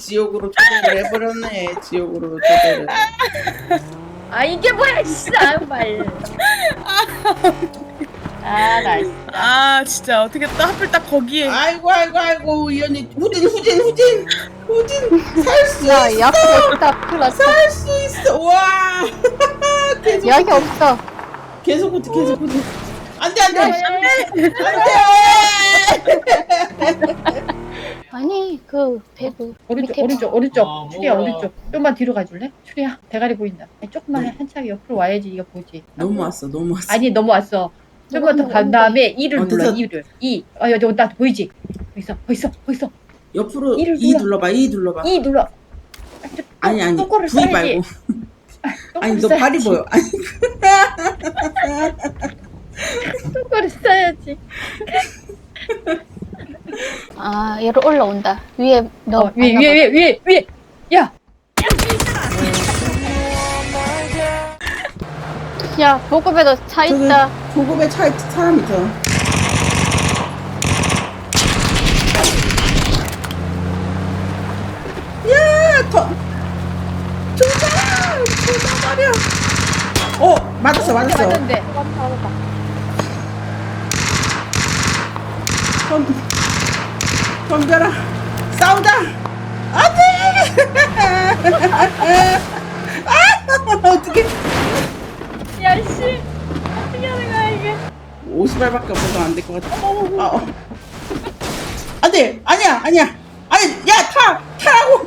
지옥으로 초대를 해버렸네. 지옥으로 초대를. 아 이게 뭐야 진짜 말. 아나 진짜. 아 진짜 어떻게 또 하필 딱 거기에. 아이고 이 언니 후진 살 수 야, 있어. 약이 없다. 큰일 났어. 살 수 있어. 와. 계속 약이 없어. 계속 안돼 아니, 그, 배그. 오른쪽 추리야 오른쪽 좀만 뒤로 가줄래? 추리야 대가리 보인다. 아니, 조금만 한참 옆으로 와야지 이거 보지. 너무 왔어. 아니 넘어왔어. 좀만 더 간 다음에 2를 어, 눌러. 됐어. 2를 2. 여기 나 보이지? 거기 있어. 옆으로 이를 2 눌러. 눌러봐. 2 눌러봐. 2 눌러. 아니 똥꼬를 V 써야지. 말고. 아니 너 똥꼬를 발이 써야지. 보여. 아니 똥꼬를 써야지. 아, 얘로 올라온다. 위에, 너. 위에. 야. 야, 보급에도 차 있다. 보급에 차에 사람 있어. 야, 조사 말이야. 맞았어. 맞는데. 덤벼라. 싸우자. 안돼. 어떻게? 야 씨. 어떻게 하는 거야 이게? 50발밖에 없어서 안 될 것 같아. 안돼. 아니야. 아니, 야, 타라고.